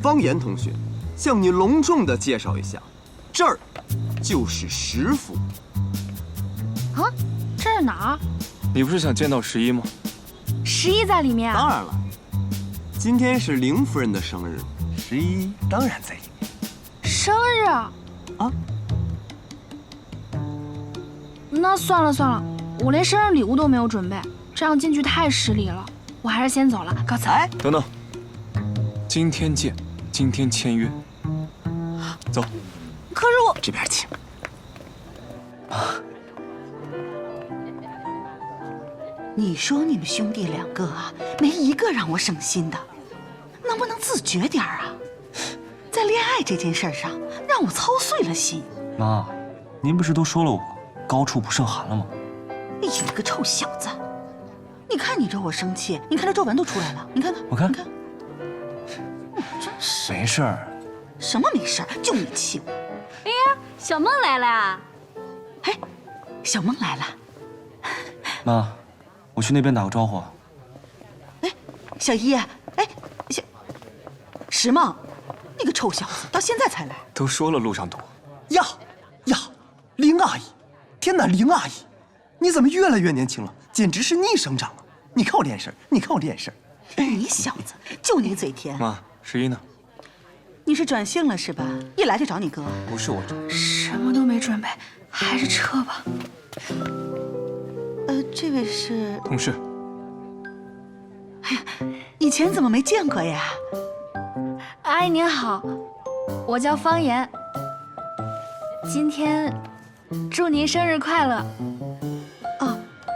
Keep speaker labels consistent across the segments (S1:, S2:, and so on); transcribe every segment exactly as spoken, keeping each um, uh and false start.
S1: 方言同学，向你隆重的介绍一下，这儿就是十府。
S2: 啊，这是哪儿？
S3: 你不是想见到十一吗？
S2: 十一在里面啊？
S1: 当然了，今天是凌夫人的生日，十一当然在里面。
S2: 生日啊？
S1: 啊？
S2: 那算了算了，我连生日礼物都没有准备，这样进去太失礼了。我还是先走了，告辞。
S1: 哎，
S3: 等等，今天见，今天签约。走。
S2: 可是我
S1: 这边请。
S4: 啊！你说你们兄弟两个啊，没一个让我省心的，能不能自觉点啊？在恋爱这件事上，让我操碎了心。
S5: 妈，您不是都说了我高处不胜寒了吗？
S4: 哎呦，你个臭小子！你看你惹我生气，你看这皱纹都出来了，你看看，
S5: 我看，
S4: 你看，你真是
S5: 没事儿。
S4: 什么没事儿？就你气我。
S6: 哎呀，小梦来了。
S4: 哎，小梦来了。
S5: 妈，我去那边打个招呼。
S4: 哎，小一，哎，小石梦，你个臭小子，到现在才来。
S3: 都说了路上堵。
S1: 呀呀，林阿姨，天哪，林阿姨，你怎么越来越年轻了？简直是逆生长啊！你看我这眼神，你看我这眼神。
S4: 你小子，就你嘴甜。
S3: 妈，十一呢？
S4: 你是转性了是吧？一来就找你哥。
S3: 不是我找。
S2: 什么都没准备，还是撤吧。
S4: 呃，这位是
S3: 同事。
S4: 哎呀，以前怎么没见过呀？
S2: 阿姨您好，我叫方言。今天祝您生日快乐。
S4: 哦。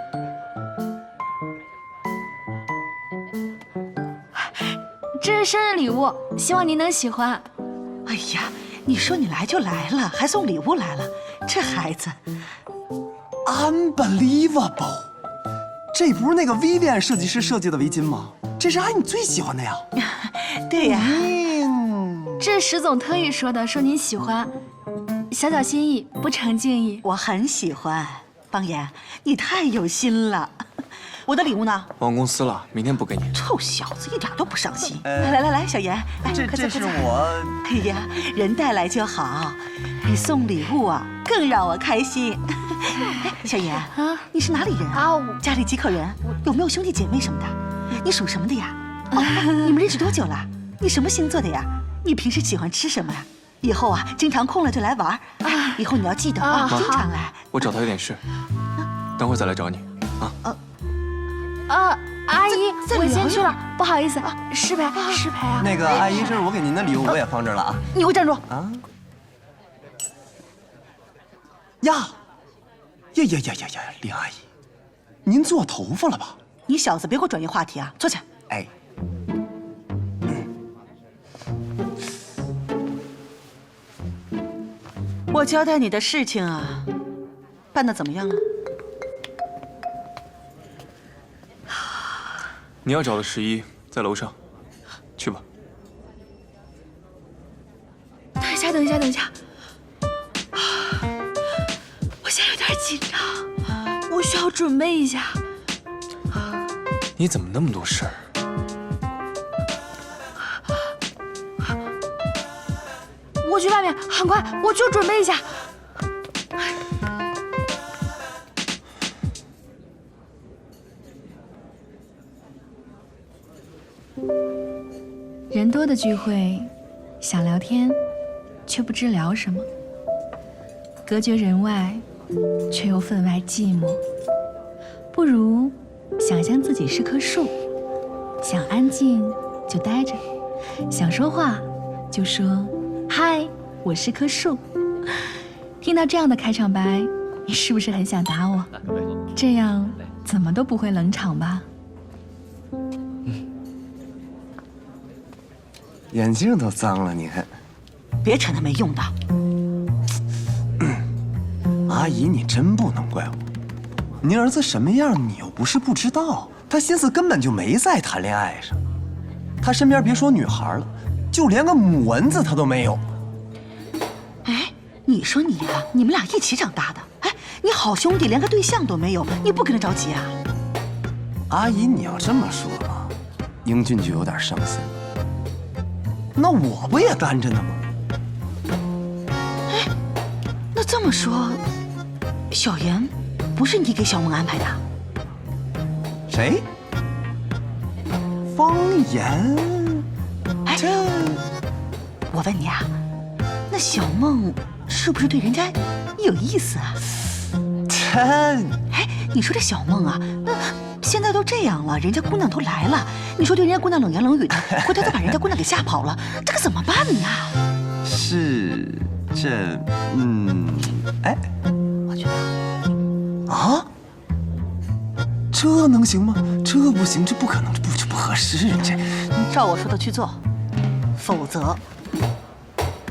S2: 这是生日礼物，希望您能喜欢。
S4: 哎呀，你说你来就来了，还送礼物来了，这孩子
S1: ，unbelievable！ 这不是那个 Vivian 设计师设计的围巾吗？这是阿姨你最喜欢的呀。
S4: 对呀。
S1: 嗯，
S2: 这是石总特意说的，说您喜欢，小小心意，不成敬意。
S4: 我很喜欢，方言，你太有心了。我的礼物呢？
S3: 忘公司了，明天补给你。
S4: 臭小子，一点都不上心。来来来来，小严，来，
S1: 这这是我。
S4: 哎呀，人带来就好，你送礼物啊，更让我开心。哎，小严啊，你是哪里人啊？家里几口人？有没有兄弟姐妹什么的？你属什么的呀？哦，你们认识多久了？你什么星座的呀？你平时喜欢吃什么呀？以后啊，经常空了就来玩。哎，以后你要记得啊，经常来。
S3: 我找他有点事，等会儿再来找你啊。
S4: 呃。
S2: 啊，阿姨，我先去了，不好意思，失陪，失陪啊。
S1: 那个阿姨，这是我给您的礼物，我也放这儿了啊。
S4: 你给我站住！
S1: 啊！呀，呀呀呀呀呀，林阿姨，您做头发了吧？
S4: 你小子别给我转移话题啊！坐下。
S1: 哎。
S4: 我交代你的事情啊，办得怎么样了？
S3: 你要找的十一在楼上，去吧。
S2: 等一下，等一下，等一下，我现在有点紧张，我需要准备一下。
S3: 你怎么那么多事儿？
S2: 我去外面，很快，我就准备一下。人多的聚会，想聊天，却不知聊什么；隔绝人外，却又分外寂寞。不如想象自己是棵树，想安静就待着，想说话就说“嗨，我是棵树”。听到这样的开场白，你是不是很想打我？这样怎么都不会冷场吧？
S1: 眼镜都脏了，你看。
S4: 别扯那没用的。
S1: 阿姨，你真不能怪我。您儿子什么样，你又不是不知道。他心思根本就没在谈恋爱上，他身边别说女孩了，就连个母蚊子他都没有。
S4: 哎，你说你呀、啊，你们俩一起长大的，哎，你好兄弟连个对象都没有，你不跟他着急啊？
S1: 阿姨，你要这么说，英俊就有点伤心。 那我不也干着呢吗？
S4: 哎，那这么说，小妍不是你给小梦安排的？
S1: 谁？方言？
S4: 哎，
S1: 这……
S4: 我问你啊，那小梦是不是对人家有意思啊？
S1: 这……
S4: 哎，你说这小梦啊，那现在都这样了，人家姑娘都来了，你说对人家姑娘冷言冷语的，回头再把人家姑娘给吓跑了，这可怎么办呢？
S1: 是这……嗯……哎，
S4: 我觉得
S1: 啊，这能行吗？这不行，这不可能，这不这不合适，这……
S4: 照我说的去做，否则